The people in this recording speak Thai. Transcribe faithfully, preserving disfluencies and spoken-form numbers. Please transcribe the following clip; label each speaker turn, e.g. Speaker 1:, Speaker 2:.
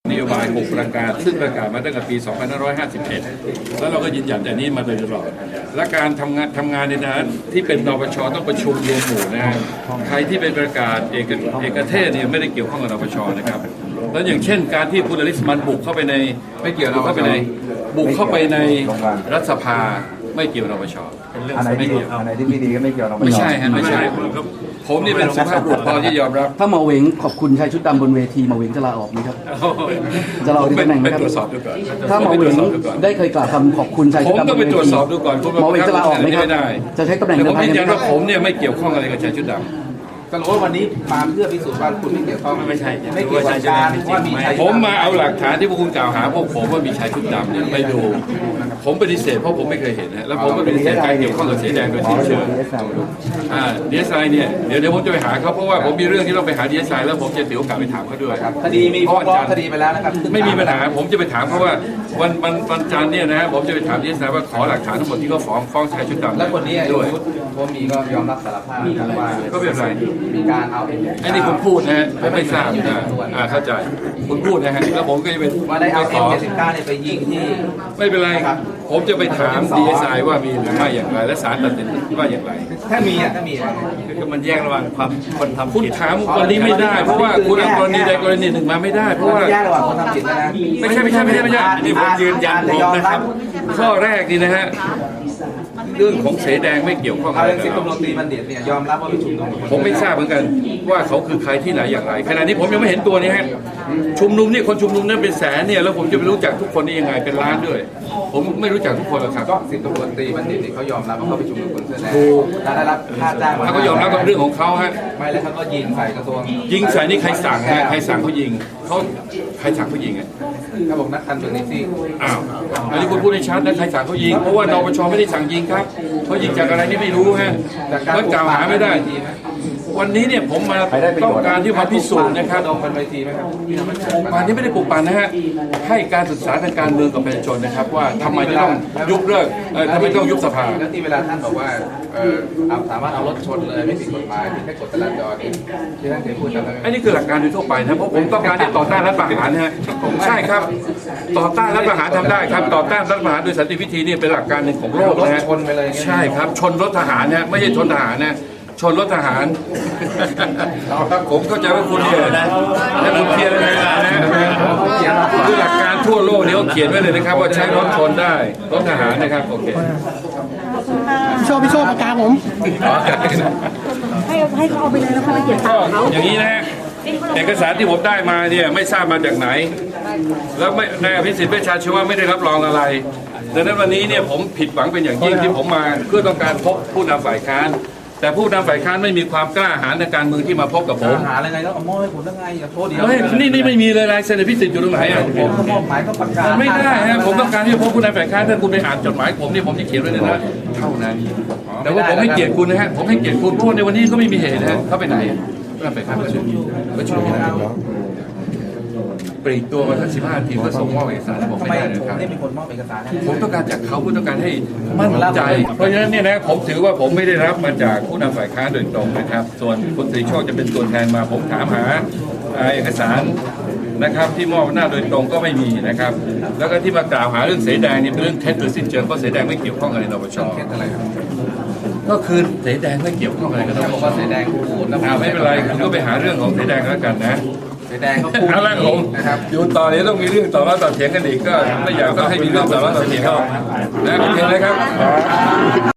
Speaker 1: นโยบายหกประการซึ่งประกาศมาตั้งแต่ปี สองพันห้าร้อยห้าสิบเอ็ด แล้วเราก็ยืนยันแต่นี้มาโดยตลอดและการทำงานทำงานในนั้นที่เป็นนปชต้องประชุมรวมหมู่นะฮะใครที่เป็นประกาศเอกเอกเทศเนี่ยไม่ได้เกี่ยวข้องกับนปชนะครับแล้วอย่างเช่นการที่คุณอลิสมันบุกเข้าไปในไม่เกี่ยวเข้าไปในบุกเข้าไปในรัฐสภาไม่เกี่ยวนปช
Speaker 2: อันไหนที่อันไหนที่ไม่ดีก็ไม่เกี่ยวนปช
Speaker 1: ไม่ใช่ฮะไม่ใช่ผมนี่เป็นสุภาพบุรุษพอที่ยอมรับ
Speaker 3: ถ้ามาเวงขอบคุณชายชุดดำบนเวทีมาเวงจะลาออกไหมครับจะลาออกที่ตำแหน่งไหมครับถ้ามาเวงได้เคยกล่าวคำขอบคุณชายชุดดำบนเวทีผมต้องไปตรวจสอบดูก่อนมาเวงจะลาออกไหมครับจะใช้ตำแหน่ง
Speaker 1: ผมยืนยันว่าผมเนี่ยไม่เกี่ยวข้องอะไรกับชายชุดดำ
Speaker 2: ก็รู้ว่าวันนี้มาเพื่อพิสูจน์ว่าคุณไม่เกี่ยวข้อง
Speaker 1: ไม่ใช่
Speaker 2: ไม่เกี่ยวกับการว่ามีชาย
Speaker 1: ผมมาเอาหลักฐานที่พวกคุณกล่าวหาพวกผมว่ามีชายชุดดำเนี่ยไปดูผมปฏิเสธเพราะผมไม่เคยเห็นนะแล้วผมก็ปฏิเสธการเกี่ยวข้องกับสีแดงโดยสิ้นเชิงอ่าดีเอสไอเนี่ยเดี๋ยวเดี๋ยวผมจะไปหาเขาเพราะว่าผมมีเรื่องที่ต้องไปหาดีเอสไอแล้วผมจะถือโอกาสไปถามเขาด้วย
Speaker 2: คดีมีฟ้องคดีไปแล้วนะครับ
Speaker 1: ไม่มีปัญหาผมจะไปถามเพราะว่าวันวันวันจันทร์เนี่ยนะผมจะไปถามดีเอสไอว่าขอหลักฐานทั้งหมดที่เขาฟ้องฟ้องชายชุดดำ
Speaker 2: แล้วคนนี้ด้วยผมมีก็ยอมรับสารภาพว่า
Speaker 1: ก็เป็นไร
Speaker 2: มีการเอา
Speaker 1: ไอ้นี่คุณพูดนะฮะผมไม่ทราบนะอ่าเข้าใจคุณพูดนะฮะแล้วผมก็จะเป็น
Speaker 2: ว่าได้เอาเอ็มเจ็ดสิบเก้าเนี่ยไปยิงที่
Speaker 1: ไม่เป็นไรผมจะไปถามดีเอสไอว่ามีหรือไม่อย่างไรและศาลตัดสินว่าอย่างไร
Speaker 2: ถ้ามีอ่ะถ้ามี
Speaker 1: คือมันแยกระหว่างความคนทำคุณถามวันนี้ไม่ได้เพราะว่าคุณเอากรณีใดกรณีหนึ่งมาไม่ได้เพราะว่า
Speaker 2: แยกระหว่างคนทำผิดนะ
Speaker 1: ไม่ใช่ไม่ใช่ไม่ใช่ไม่ใช่นี่ผมยืนยันผมนะครับข้อแรกนี่นะฮะเรื่องของเสแดงไม่เกี่ยวข้อง
Speaker 2: อะไรสิบตำรวจตรีบัณฑิตเนี่ยยอมรับว่าไปชุมนุม
Speaker 1: ผมไม่ทราบเหมือนกันว่าเขาคือใครที่ไหนอย่างไรขณะนี้ผมยังไม่เห็นตัวนี้ฮะชุมนุมนี่คนชุมนุมนั้นเป็นแสนเนี่ยแล้วผมจะไปรู้จักทุกคนได้ยังไงเป็นล้านด้วยผมไม่รู้จักทุกคนหรอกครับ
Speaker 2: ก็สิบตำรวจตรีบัณฑิตเขายอมรับว่าเขาไปชุมนุมคนเสื้อแดงและได้รับค่าจ้าง
Speaker 1: เขาก็ยอมรับกับเรื่องของเขาฮะ
Speaker 2: ไม่แล้วเขาก็ยิงใส่กระทรวง
Speaker 1: ยิงใส่นี่ใครสั่งฮะใครสั่งเขายิงเขาใครสั่งเขายิงอ่ะ
Speaker 2: เขาบอกนักการเมืองนี่สิ
Speaker 1: อ้าวอันนี้คุณพูดในชัดนะใครสั่งเขายิงเพราะว่านปชไม่ได้สั่งยิงครับเขายิงจากอะไรนี่ไม่รู้ฮะก็กล่าวหาไม่ได้วันนี้เนี่ยผมมาต้องการที่มาพิสูจน์นะครับ
Speaker 2: องค์การเวทีไหมครับ
Speaker 1: องค์การนี้ไม่ได้ปลุกปั่นนะฮะให้การศึกษาทางการเมืองกับประชาชนนะครับว่าทำไมจะต้องยุบเลิกทำไมต้องยุบสภา
Speaker 2: แล้วที่เวลาท่านบอกว่าเออสามารถเอารถชนเลยไม่ผิดกฎหมายแค่กฎจราจรที่ท่านเคยพูดจำได้ไหม
Speaker 1: อันนี้คือหลักการโดยทั่วไปนะเพราะผมต้องการที่ต่อต้านรัฐประหารนะฮะใช่ครับต่อต้านรัฐประหารทำได้ครับต่อต้านรัฐประหารโดยสันติวิธีนี่เป็นหลักการหนึ่งของโลกนะฮะใช่ครับชนรถทหารนะไม่ใช่ชนทหารนะชนรถทหารผมเข้าใจว่าคุณเนี่ยนะและคุณเพียรเลยนะคือหลักการทั่วโลกเนี่ยเขาเขียนไว้เลยนะครับว่าใช้รถชนได้รถทหารนะครับโอเค
Speaker 4: พี่โชว์พี่โชว์ปากกาผมให้ให้เขาเอาไปเลยแล้วเขาไปเก็บตังค์เขา
Speaker 1: อย่างนี้นะฮะเอกสารที่ผมได้มาเนี่ยไม่ทราบมาจากไหนแล้วไม่นายอภิสิทธิ์เวชชาชีวะไม่ได้รับรองอะไรดังนั้นวันนี้เนี่ยผมผิดหวังเป็นอย่างยิ่งที่ผมมาเพื่อต้องการพบผู้นำฝ่ายค้านแต่ผู้นำฝ่ายค้านไม่มีความกล้าหาญในการเมืองที่มาพบกับผม
Speaker 2: หาอะไรไงแล้วเอามอบให้ผมได้ไงอย่าโทษเดียว
Speaker 1: นี่นี่ไม่มีเลยลายเซ็นพิสิทธิ์อยู่ตรงไหนอ่ะ
Speaker 2: ผมมอบหมายก็ประกาศ
Speaker 1: ไม่ได้ฮะผมต้องการที่จะพบผู้นำฝ่ายค้านถ้าคุณไปอ่านจดหมายผมนี่ผมจะเขียนไว้เลยนะเท่านั้นแต่ว่าผมให้เกียรติคุณนะฮะผมให้เกียรติคุณเพราะในวันนี้ก็ไม่มีเหตุนะฮะเขาไปไหนผู้นำฝ่ายค้านประชุมประชุมที่ไหนปลีกตัวมาสักสิบห้านาทีเพื่อส่งมอบเอกสารผมไม่ได้นะครับ
Speaker 2: ไม่มีคนมอบเอกสาร
Speaker 1: ผมต้องการจากเขาผมต้องการให้มั่นใจเพราะฉะนั้นเนี่ยนะผมถือว่าผมไม่ได้รับมาจากผู้นำฝ่ายค้านโดยตรงนะครับส่วนคุณตรีโชคจะเป็นตัวแทนมาผมถามหาเอกสารนะครับที่มอบหน้าโดยตรงก็ไม่มีนะครับแล้วก็ที่มากล่าวหาเรื่องเสแดงนี่เป็นเรื่องเท็จโดยสิ้นเชิงเพราะเสแดงไม่เกี่ยวข้องอะไรนปช
Speaker 2: อะไรครับ
Speaker 1: ก็คือเสแดงไม่เกี่ยวข้องอะไรกับนปช
Speaker 2: เสแดงพูด
Speaker 1: แล้วไม่เป็นไรคุณก็ไปหาเรื่องของเสแดงแล้วกันนะ
Speaker 2: แดงเขาพูด
Speaker 1: แล้วผมอยู่ต่อเนี้ต้องมีเรื่องต่อมาต่อเถียงกันอีกก็ไม่อยากต้องให้มีเรื่องต่อมาต่อเถียงกันนะโอเคไหมครับ